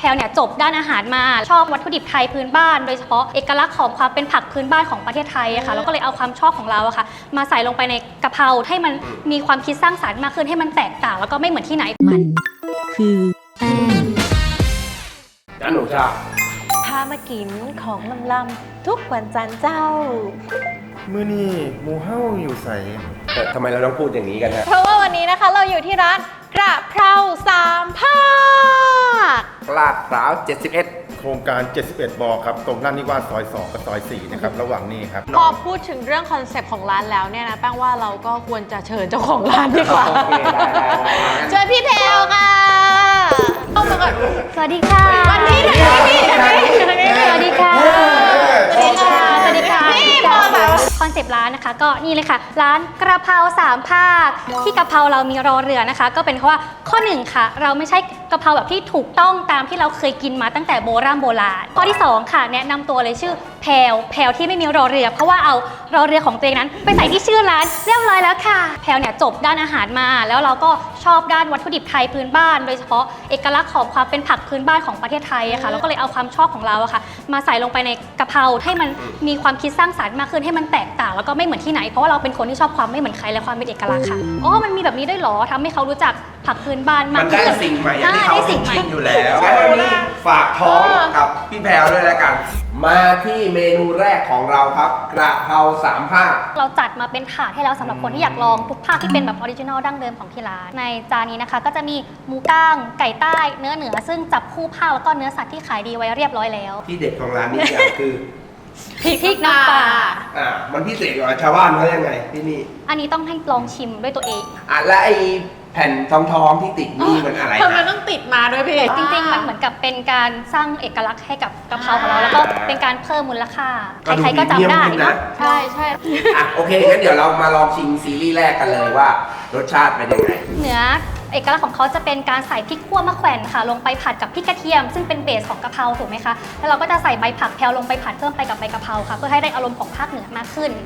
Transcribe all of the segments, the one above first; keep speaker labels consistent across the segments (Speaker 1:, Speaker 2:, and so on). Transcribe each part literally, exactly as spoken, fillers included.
Speaker 1: แพลวเนี่ยจบด้านอาหารมาชอบวัตถุดิบไทยพื้นบ้านโดยเฉพาะเอกลักษณ์ของความเป็นผักพื้นบ้านของประเทศไทยอะค่ะแล้วก็เลยเอาความชอบของเราอะค่ะมาใส่ลงไปในกะเพราให้มันมีความคิดสร้างสรรค์มากขึ้นให้มันแตกต่างแล้วก็ไม่เหมือนที่ไหน
Speaker 2: มันคือแป้ง
Speaker 3: จ้าหนูชา
Speaker 4: พามากินของลำลำทุกวันจันทร์เจ้า
Speaker 5: มื้อนี้หมูเฮ้าอยู่ใส่
Speaker 3: แต่ทำไมเราต้องพูดอย่างนี้กันฮะ
Speaker 4: เพราะว่าวันนี้นะคะเราอยู่ที่ร้านกระเพราสามภาค
Speaker 3: ลาดพร้าวเจ็ดสิบเอ็ด
Speaker 5: โครงการเจ็ดสิบเอ็ดบครับตรงด้านนี้ว่าซอยสองกับซอยสี่นะครับระหว่างนี้ครับ
Speaker 4: พอพูดถึงเรื่องคอนเซปต์ของร้านแล้วเนี่ยนะแป้งว่าเราก็ควรจะเชิญเจ้าของร้านดีกว่าเชิญพี่แพลวค่ะเข้ามาก่อน
Speaker 1: สวัสดีค่ะ
Speaker 4: วันนี้เลยพี่
Speaker 1: สวัสดีค่ะสวัสดีค่ะสวัสดีค่ะพี่มาแบบคอนเซปต์ร้านนะคะก็นี่เลยค่ะร้านกระเพราสามภาคที่กะเพราเรามีรอเรือนะคะก็เป็นเพราะว่าข้อหนึ่งค่ะเราไม่ใช่กะเพราแบบที่ถูกต้องตามที่เราเคยกินมาตั้งแต่โบราณโบราณข้อที่สองค่ะแนะนำตัวเลยชื่อแพลวแพลวที่ไม่มีรอเรือเพราะว่าเอารอเรือของตัวเองนั้นไปใส่ที่ชื่อร้านเรียบร้อยแล้วค่ะแพลวเนี่ยจบด้านอาหารมาแล้วเราก็ชอบด้านวัตถุดิบไทยพื้นบ้านโดยเฉพาะเอกลักษณ์ของความเป็นผักพื้นบ้านของประเทศไทยอะค่ะแล้วก็เลยเอาความชอบของเราอะค่ะมาใส่ลงไปในกะเพราให้มันมีความคิดสร้างสรรค์มากขึ้นให้มันแตกต่างแล้วก็ไม่เหมือนที่ไหนเพราะว่าเราเป็นคนที่ชอบความไม่เหมือนใครและความเป็นเอกลักษณ์ค่ะอ๋อมันมีแบบนี้ได้หรอทำให้เขารู้จักผักพื้นบ้านมาก
Speaker 3: ขึ้นมันได้สิ่งใหม่ที่เขาไม่กินอยู่แล้วงั้นวันนี้ฝากท้องกับพี่แพรวด้วยแล้วกันมาที่เมนูแรกของเราครับกระเพราสามภาค
Speaker 1: เราจัดมาเป็นถาดให้แล้วสำหรับคนที่อยากลองทุกภาคที่เป็นแบบออริจินอลดั้งเดิมของที่ร้านในจานนี้นะคะก็จะมีหมูก้างไก่ใต้เนื้อเหนือซึ่งจับคู่ภาคแล้วก็เนื้อสัตว์ที่ขายดีไว้เรียบร้อยแล้ว
Speaker 3: ที่เด็ดของร้านนี้อย่างคือ
Speaker 1: พริกน้ำปลา
Speaker 3: อ่ามันพิเศษกว่าชาวบ้านเขายังไงที่นี่
Speaker 1: อันนี้ต้องให้ลองชิมด้วยตัวเอง
Speaker 3: อ่ะและไอแผ่นทองทองที่ติดนี่มันอะไร
Speaker 4: ทำไมต้องติดมาด้วยพี่
Speaker 1: จริงๆมันเหมือนกับเป็นการสร้างเอกลักษณ์ให้กับกะเพราของเราแล้วก็เป็นการเพิ่มมูลค่าใครๆก็จำได้นะใช่ใช่
Speaker 3: อ่ะโอเคงั้นเดี๋ยวเรามาลองชิมซีรีส์แรกกันเลยว่ารสชาติเป็นยังไง
Speaker 1: เนื้อเอกลักษณ์ของเขาจะเป็นการใส่พริกขั่วมะแขวนค่ะลงไปผัดกับพริกกระเทียมซึ่งเป็นเบสของกะเพราถูกไหมคะแล้วเราก็จะใส่ใบผักแพลวลงไปผัดเพิ่มไปกับใบกะเพราค่ะเพื่อให้ได้อารมณ์ของภาคเหนือมากขึ้น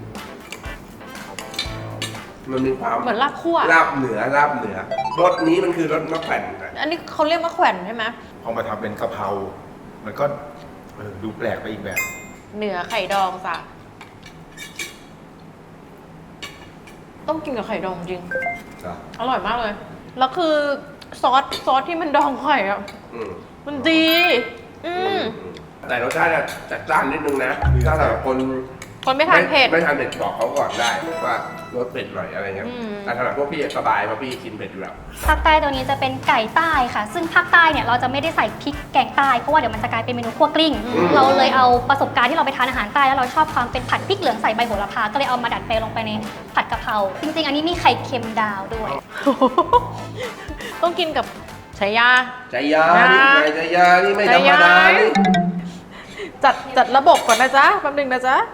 Speaker 3: มันมีความ
Speaker 4: เหมือนลาบคั่ว
Speaker 3: ลาบเหนือลาบเหนือรสนี้มันคือรสมะแขวน
Speaker 4: อันนี้เขาเรียกมะแขวนใช่ไหม
Speaker 5: พอมาทำเป็นกะเพรามันก็ดูแปลกไปอีกแบบ
Speaker 4: เหนือไข่ดองจ้ะต้องกินกับไข่ดองจริงอร่อยมากเลยแล้วคือซอสซอสที่มันดองไข่อ่ะมันดีอืม
Speaker 3: แต่รสชาติจัดจ้านนิดนึงนะถ้าสำหรับคน
Speaker 4: คนไม่ทานเผ็ด
Speaker 3: ไม่ทานเผ็ดบอกเขาก่อนได้ว่ารสเผ็ดหน่อยอะไรเงี้ยแต่สำหรับพวกพี่สบายเพราะพี่กินเผ็ดอยู่แล้ว
Speaker 1: ภาคใต้ตัวนี้จะเป็นไก่ใต้ค่ะซึ่งภาคใต้เนี่ยเราจะไม่ได้ใส่พริกแกงใต้เพราะว่าเดี๋ยวมันจะกลายเป็นเมนูคั่วกลิ้งเราเลยเอาประสบการณ์ที่เราไปทานอาหารใต้แล้วเราชอบความเป็นผัดพริกเหลืองใส่ใบโหระพาก็เลยเอามาดัดแปลงลงไปในผัดกะเพราจริงๆอันนี้มีไข่เค็มดาวด้วย
Speaker 4: ต้องกินกับชายา
Speaker 3: ชายานี่ไงชายานี่ไม่ธรรมดา
Speaker 4: จัดจัดระบบก่อนนะจ๊ะแป๊บนึงนะจ๊ะ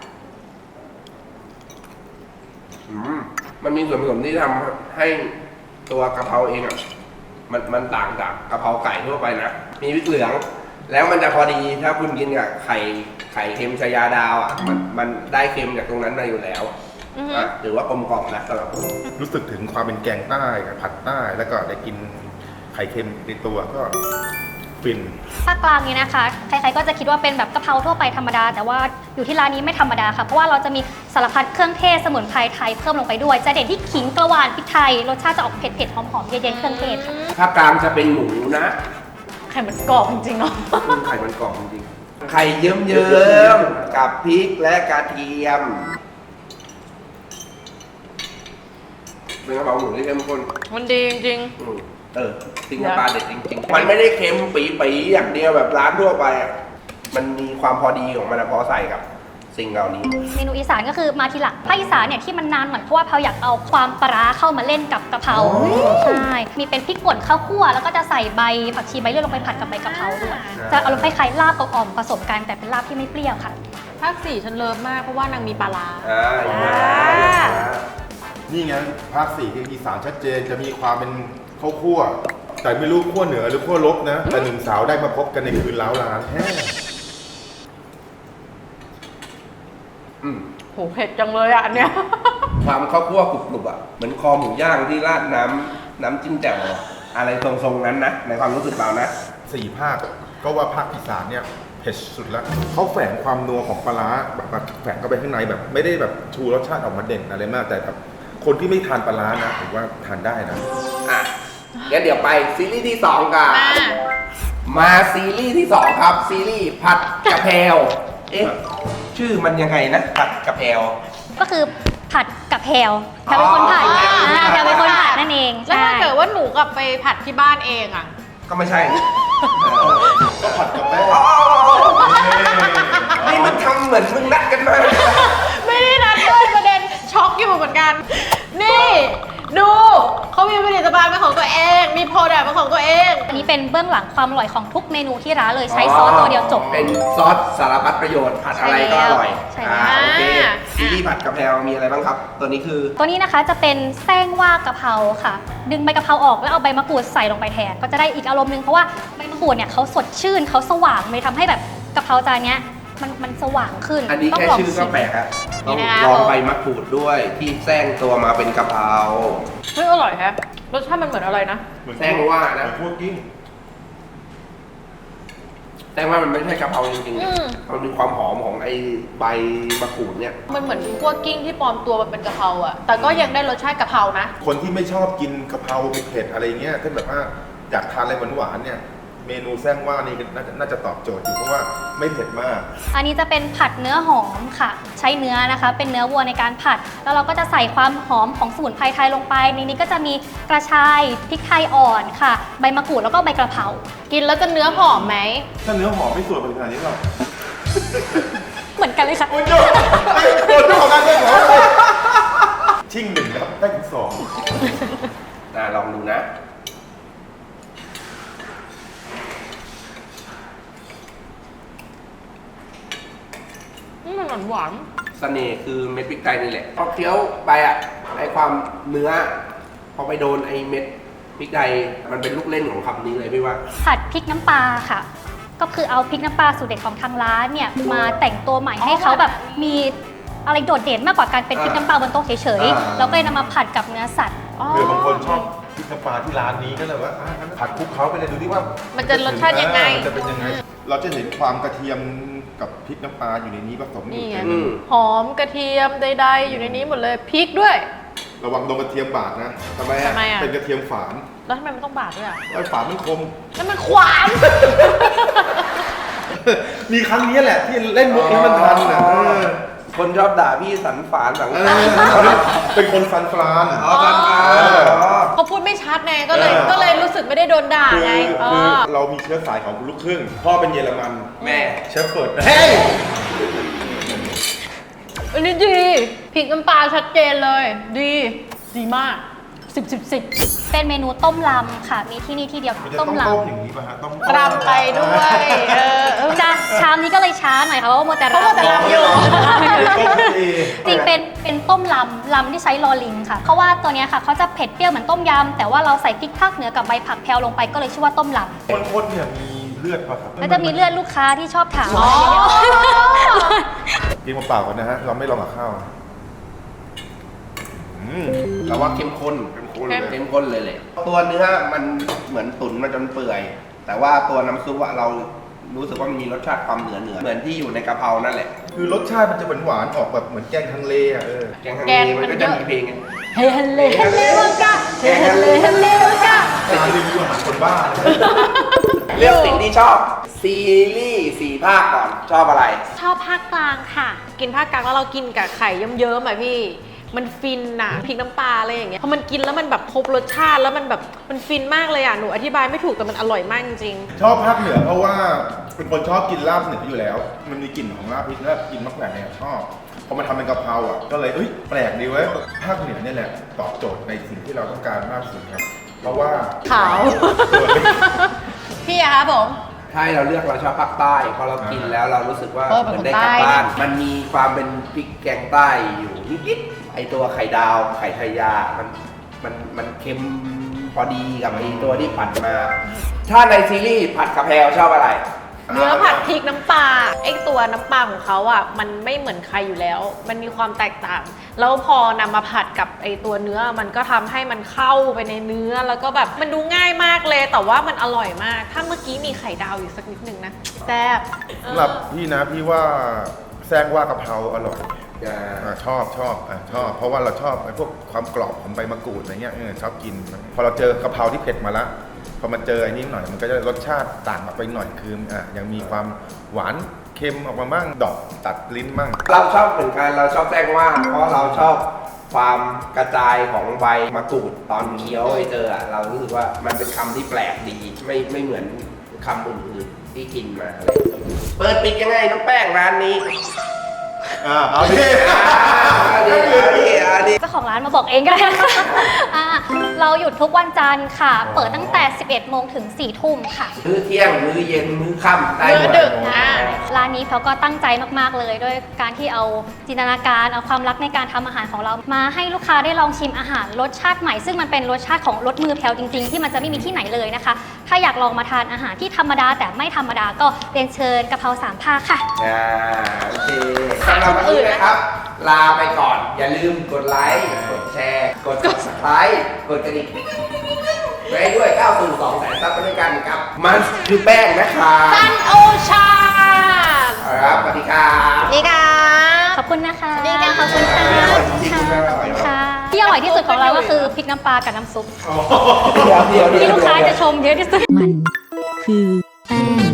Speaker 3: มันมีส่วนผสมที่ทำให้ตัวกะเพราเองอ่ะมันมันต่างจากกะเพราไก่ทั่วไปนะมีพริกเหลืองแล้วมันจะพอดีถ้าคุณกินกับไข่ไข่เค็มชายาดาวอ่ะมันมันได้เค็มจากตรงนั้นมาอยู่แล้วอ่ะถือว่ากลมกล่อมนะสำหรับผม
Speaker 5: รู้สึกถึงความเป็นแกงใต้กับผัดใต้แล้วก็ได้กินไข่เค็มในตัวก็ฟิน
Speaker 1: ภาคกลางนี้นะคะใครๆก็จะคิดว่าเป็นแบบกะเพราทั่วไปธรรมดาแต่ว่าอยู่ที่ร้านนี้ไม่ธรรมดาค่ะเพราะว่าเราจะมีสารพัดเครื่องเทศสมุนไพรไทยเพิ่มลงไปด้วยจะเด่นที่ขิงกระวานพริกไทยรสชาติจะออกเผ็ดๆหอมๆเย็นๆเครื่องเทศค่ะ
Speaker 3: ภาคกลางจะเป็นหมูนะ
Speaker 4: ไข่มันกรอบจริงๆเนาะ
Speaker 3: ไข่มันกรอบจริงไข่เยิ้มๆกับพริกและกระเทียมเป็นกะเพราหมูที่เข้มข้น
Speaker 4: มันดีจริง
Speaker 3: เออจริงปลาเด็ดจริงๆมันไม่ได้เค็มปีๆอย่างเดียวแบบร้านทั่วไปอ่ะมันมีความพอดีของมันพอใส่กับสิ่งเหล่านี้
Speaker 1: เมนูอีสานก็คือมาทีหลังภาคอีสานเนี่ยที่มันนานหน่อยเพราะว่าเราอยากเอาความปลาเข้ามาเล่นกับกะเพราใช่มีเป็นพริกป่นข้าวคั่วแล้วก็จะใส่ใบผักชีใบเลื่อยลงไปผัดกับใบกะเพราด้วยจะอารมณ์คล้ายๆลาบกับอ่อมผสมกันแต่เป็นลาบที่ไม่เปรี้ยวค่ะ
Speaker 4: ภาคสี่ฉันเลิฟมากเพราะว่านางมีปลาร้า
Speaker 5: นี่ไงภาคสี่คืออีสานชัดเจนจะมีความเป็นข้าวคั่วแต่ไม่รู้ขั้วเหนือหรือขั้วลบนะแต่หนุ่มสาวได้มาพบกันในคืนล้าวร้านแฮ่
Speaker 4: อืมโหเผ็ดจังเลยอ่ะอันเนี้ย
Speaker 3: ความข้าวคั่วกรุบๆอ่ะเหมือนคอหมูย่างที่ราดน้ำน้ำจิ้มแจ่วอะไรทรงๆนั้นนะในความรู้สึกเรานะ
Speaker 5: สี่ภาคก็ว่าภาคอีสานเนี่ยเผ็ดสุดแล้วเขาแฝงความนัวของปลาร้าแบบแบบแฝงเข้าไปข้างในแบบไม่ได้แบบชูรสชาติออกมาเด่นอะไรมากแต่แบบคนที่ไม่ทานปลาร้านะผมว่าทานได้นะ
Speaker 3: อ่ะงั้นเดี๋ยวไปซีรีส์ที่สองกัน
Speaker 4: มา
Speaker 3: มาซีรีส์ที่สองครับ ซีรีส์ผัดกะเพราเอ๊ะชื่อมันยังไงนะผัดกะเพรา
Speaker 1: ก็คือผัดกับแพลวแพลวเป็นคนผัด
Speaker 3: อ๋อ
Speaker 1: อ่าแพลวเป็นคนผัดนั่นเอง
Speaker 4: แล้วถ้า
Speaker 1: ใช่
Speaker 4: เกิดว่าหนูกลับไปผัดที่บ้านเองอะ
Speaker 3: ก็ไม่ใช่
Speaker 5: ก็ผัดกับแป้ง
Speaker 3: อ๋อนี่มันทำเหมือนมึงนัดกันมา
Speaker 4: ไม่ได้นัดด้วยประเด็นช็อกอยู่เหมือนกัน นี่ดูเขามีผลิตภัณฑ์เป็นของตัวเอง มีโปรดักต์เป็นของตัวเอง
Speaker 1: อันนี้เป็นเบื้องหลังความอร่อยของทุกเมนูที่ร้านเลยใช้ซอสตัวเดียวจบ
Speaker 3: เป็นซอสสารพัดประโยชน์ผัดอะไรก็อร่อย
Speaker 1: ใช่แล้ว
Speaker 3: อ่าโอเค
Speaker 4: อ่า
Speaker 3: ซีรีส์ผัดกะเพรามีอะไรบ้างครับ ตัวนี้คือ
Speaker 1: ตัวนี้นะคะจะเป็นแซงว่ากะเพราค่ะ ดึงใบกะเพราออกแล้วเอาใบมะกรูดใส่ลงไปแทน ก็จะได้อีกอารมณ์หนึงเพราะว่าใบมะกรูดเนี่ยเขาสดชื่นเขาสว่างเลยทำให้แบบกะเพราจานเนี้ยมันมันสว่างขึ้น
Speaker 3: อันนี้
Speaker 1: ต้ง
Speaker 3: แค่
Speaker 1: ลง
Speaker 3: ชื่อก็แปลกอะต้อง
Speaker 4: นี่นะคะ
Speaker 3: ลองใบมะกรูดด้วยที่แซงตัวมาเป็นกะเพรา
Speaker 4: เฮ้ยอร่อยแฮะรสชาติมันเหมือนอะไรนะ
Speaker 5: เหมือน
Speaker 3: แซงว่านะ
Speaker 5: เหมือพวกกิ้ง
Speaker 3: แต่ว่ามันไม่ใช่กะเพราจริง
Speaker 4: อืม
Speaker 3: ๆมันมีความหอมของไอ้ใบมะกรูดเนี่ย
Speaker 4: มันเหมือนคั่วกิ้งที่ปลอมตัวมันเป็นกะเพราอะแต่ก็ยังได้รสชาติกะเพรานะ
Speaker 5: คนที่ไม่ชอบกินกะเพราเผ็ดๆอะไรเงี้ยถ้าแบบว่าอยากทานอะไรหวานๆเนี่ยเมนูแซงว่านี่น่าจะน่าจะตอบโจทย์อยู่เพราะว่าไม่เผ็ดมาก
Speaker 1: อันนี้จะเป็นผัดเนื้อหอมค่ะ ใช้เนื้อนะคะ เป็นเนื้อวัวในการผัด แล้วเราก็จะใส่ความหอมของสมุนไพรไทยลงไป ในนี้ก็จะมีกระชายพริกไทยอ่อนค่ะ ใบมะกรูดแล้วก็ใบกระเพรา
Speaker 4: กินแล้วจะเนื้อหอมไหม
Speaker 5: ถ้าเนื้อหอมไม่สวยเป็นขนาดนี้หรอก
Speaker 1: เหมือนกันเลยค่ะ
Speaker 5: โอ้ยโจ้ไอ้โดนเจ้าของงานเรื่องหอมชิ่งหนึ่งนะครับได้ถึงสอง
Speaker 3: อ่าลองดูนะ
Speaker 4: อืมมันหวานหวาน
Speaker 3: เสน่ห์คือเม็ดพริกไทยนี่แหละพอเคี้ยวไปอ่ะไอความเนื้อ พอไปโดนไอเม็ดพริกไทยมันเป็นลูกเล่นของคำนี้เลยพี่ว่า
Speaker 1: ผัดพริกน้ำปลาค่ะ ก็คือเอาพริกน้ำปลาสูตรเด็ดของทางร้านเนี่ยมาแต่งตัวใหม่ให้เขาแบบมีอะไรโดดเด่นมากกว่าการเป็นพริกน้ำปลาบนโต๊ะเฉย
Speaker 3: อ่า
Speaker 1: ๆ แล้วก็เลยนำมาผัดกับเนื้อสัตว์
Speaker 4: อ๋อ
Speaker 5: เผื่อบางคนชอบพริกน้ำปลาที่ร้านนี้ก็เลยว่าอ่ะงั้นผัดคลุกเขาไปเลยดูดิว่า
Speaker 4: มันจะรสชาติยังไง
Speaker 5: มันจะเป็นยังไง เราจะเห็นความกระเทียมกับพริกน้ำปลาอยู่ในนี้ผสมอยู่
Speaker 4: นี่ไง
Speaker 5: ใน
Speaker 3: อืม
Speaker 4: หอมกระเทียมใดๆอยู่ในนี้หมดเลยพริกด้วย
Speaker 5: ระวังโดนกระเทียมบาดนะ
Speaker 3: ทำไมอ่ะ
Speaker 4: ทำไมอ่ะ
Speaker 5: เป็นกระเทียมฝาน
Speaker 4: แล้วทำไมมันต้องบาดด้วยอ่ะ
Speaker 5: ไอ้ฝานมันคม
Speaker 4: แล้วมันขวาน
Speaker 5: มีครั้งนี้แหละที่เล่นมุกนี้มันทันนะเออ
Speaker 3: คนชอบด่าพี่สันฝานสัง
Speaker 5: เอ
Speaker 3: ขาร
Speaker 5: อเป็นคนฟันฟราน
Speaker 3: อ๋อสันฝาน
Speaker 5: เออ
Speaker 3: อ๋อ
Speaker 4: เขาพูดไม่ชัดไงก็เลย
Speaker 5: เออ
Speaker 4: ก็เลยรู้สึกไม่ได้โดนด่า
Speaker 5: คือ
Speaker 4: ไงเอ
Speaker 5: คือ
Speaker 4: อ
Speaker 5: เรามีเชื้อสายของลูกครึ่ง พ่อเป็นเยอรมัน
Speaker 3: แม่
Speaker 5: เชฟเฟิร์ดเฮ้ย
Speaker 4: อันนี้ดีพริกน้ำปลาชัดเจนเลย ดี ดีมากสิบสิบสิบ
Speaker 1: เป็นเมนูต้มลำค่ะ มีที่นี่ที่เดียว
Speaker 5: มันจะ
Speaker 1: ต้
Speaker 5: ต้
Speaker 1: ม
Speaker 5: อง
Speaker 1: ล
Speaker 5: ต้มอย่างนี้ป่ะฮะต้อง
Speaker 4: รำไปด้วยเออเออ
Speaker 1: ำจะชามนี้ก็เลยช้าหน่อยค่ะเพราะว่าโมวแต่
Speaker 4: เพราะว่าแต่รำอยู่
Speaker 1: จริงเป็นเป็นต้มลำลำที่ใช้ลอลิงค่ะ เพราะว่าตัวเนี้ยค่ะเขาจะเผ็ดเปรี้ยวเหมือนต้มยำแต่ว่าเราใส่พริกภาคเหนือกับใบผักแพรวลงไปก็เลยชื่อว่าต้มล
Speaker 5: คนๆเนี่ยมีเลือดป่ะครับ
Speaker 1: ำแล้วจะมีเลือดลูกค้าที่ชอบถาม
Speaker 4: อ๋อ
Speaker 5: กินเปล่าๆก่อนนะฮะ เราไม่ลองกับข้าวอืม
Speaker 3: เราว่าเข้มข้น
Speaker 5: เข้มข้นเลย
Speaker 3: เข้มข้นเลยเลยตัวเนื้อมันเหมือนตุ๋นมาจนเปื่อย แต่ว่าตัวน้ำซุปอะเรารู้สึกว่ามันมีรสชาติความเหนือเหนือเหมือนที่อยู่ในกะเพรานั่นแหละ
Speaker 5: คือรสชาติมันจะหวานๆออกแบบเหมือนแกงฮังเลอ่ะเออ
Speaker 3: แกงฮัง
Speaker 4: แก
Speaker 3: เล
Speaker 4: งมั
Speaker 3: มัน
Speaker 4: น
Speaker 3: ก็
Speaker 4: เย
Speaker 3: จะ
Speaker 4: อะ
Speaker 3: มีเพลงไง
Speaker 4: เฮฮันเลฮันเลวังกะเฮฮันเลฮันเลวังกะ
Speaker 5: ร้านรีวิวอาหารคนบ้าเลย
Speaker 3: เลือกสิ่งที่ชอบ ซีรีส์สี่ภาคก่อนชอบอะไร
Speaker 4: ชอบภาคกลางค่ะ กินภาคกลางแล้วเรากินกับไข่เยิ้มๆอ่ะพี่ มันฟินน่ะพริกน้ำปลาอะไรอย่างเงี้ยพอมันกินแล้วมันแบบครบรสชาติแล้วมันแบบมันฟินมากเลยอ่ะหนูอธิบายไม่ถูกแต่มันอร่อยมากจริง
Speaker 5: ชอบภาคเหนือเพราะว่าเป็นคนชอบกินลาบเหนืออยู่แล้ว มันมีกลิ่นของลาบพริกและกินมะแขวนเนี่ยชอบพอมาทำเป็นกะเพราอ่ะก็เลยเอ้ยแปลกดีเว้ยภาคเหนือเนี่ยแหละตอบโจทย์ในสิ่งที่เราต้องการมากสุดครับ เพราะว่า
Speaker 4: ขาว พี่อะคะผม
Speaker 3: ใช่เราเลือกเราชอบภาคใต้พอเรากินแล้วเรารู้สึกว่า
Speaker 4: เออเป็น
Speaker 3: เห
Speaker 4: ค
Speaker 3: มือน นได้กลับ
Speaker 4: ใต้
Speaker 3: บ้าน มันมีความเป็นพริกแกงใต้อยู่นิดๆไอตัวไข่ดาวไข่ไทยา มันมันมันเค็มพอดีกับไอตัวที่ผัดมา ถ้าในซีรีส์ผัดกะเพราชอบอะไร
Speaker 4: เนื้อผัดพริกน้ำปลาไอ้ตัวน้ำปลาของเขาอ่ะมันไม่เหมือนใครอยู่แล้ว มันมีความแตกต่าง แล้วพอนำมาผัดกับไอ้ตัวเนื้อมันก็ทำให้มันเข้าไปในเนื้อแล้วก็แบบมันดูง่ายมากเลย แต่ว่ามันอร่อยมาก ถ้าเมื่อกี้มีไข่ดาวอยู่สักนิดนึงนะแซ่บ
Speaker 5: สำหรับพี่นะพี่ว่าแซงว่ากะเพราอร่อย
Speaker 3: อ่า
Speaker 5: อ่าชอบชอบอ่าชอบ เพราะว่าเราชอบไอ้พวกความกรอบของใบมะกรูดอะไรเงี้ยเออชอบกิน พอเราเจอกะเพราที่เผ็ดมาละพอมาเจอไอ้นี้หน่อยมันก็จะรสชาติต่างออกไปหน่อยคืออ่ะยังมีความหวานเค็มออกมาบ้างดอกตัดลิ้นบ้าง
Speaker 3: เราชอบเหมือนกันเราชอบแจ้งว่า เพราะเราชอบความกระจายของใบมะกรูดตอนเคี้ยวไอเจออ่ะเรารู้สึกว่ามันเป็นคำที่แปลกดีไม่ไม่เหมือนคำอื่นๆที่กินมาอะไรเปิดปิดยังไงน้องแป้งร้านนี้
Speaker 5: อ่าเอาดิ
Speaker 3: อันนี้อันนี้อันนี้
Speaker 1: เจ้าของร้านมาบอกเองก็ได้นะคะ อ่าเราหยุดทุกวันจันทร์ค่ะ เปิดตั้งแต่ สิบเอ็ดโมงถึง สี่ทุ่มค่ะ
Speaker 3: มื้อเที่ยงมื้อเย็นมื้อค่ำได้หม
Speaker 4: มื้
Speaker 3: ด
Speaker 4: อดึกอ่ะ
Speaker 1: ร้านนี้เขาก็ตั้งใจมากๆเลยด้วยการที่เอาจินตนาการเอาความรักในการทำอาหารของเรา มาให้ลูกค้าได้ลองชิมอาหารรสชาติใหม่ ซึ่งมันเป็นรสชาติของรสมือแพลวจริงๆ ที่มันจะไม่มีที่ไหนเลยนะคะ ถ้าอยากลองมาทานอาหารที่ธรรมดาแต่ไม่ธรรมดาก็เรียนเชิญกะเพราสามภาคค่ะ
Speaker 3: อ่าโอเคสำหรับวันนี้นะครับ ลาไปก่อน อย่าลืมกดไลค์ กดแชร์ กด subscribe กดกระดิ่งไว้ด้วยก้าวสู่สองแสนซับไปด้วยกันกับ มันคือแป้งนะครับ
Speaker 4: ซันโอชา
Speaker 3: ครับสวัสดีครับ
Speaker 4: นี่ค่ะ
Speaker 1: ขอบคุณนะคะ
Speaker 4: สวัสดีค่ะ
Speaker 1: ขอบคุณค่ะ
Speaker 3: อร่อยจริงๆอร่อยมาก
Speaker 1: ค่ะ ที่อร่อยที่สุดของเราก็คือพริกน้ำปลากับน้ำซุป
Speaker 3: เดี๋ยวเดี๋ยวเดี๋ยว
Speaker 1: ที่ลูกค้าจะชมเยอะที่สุด
Speaker 2: มัน คือแป้ง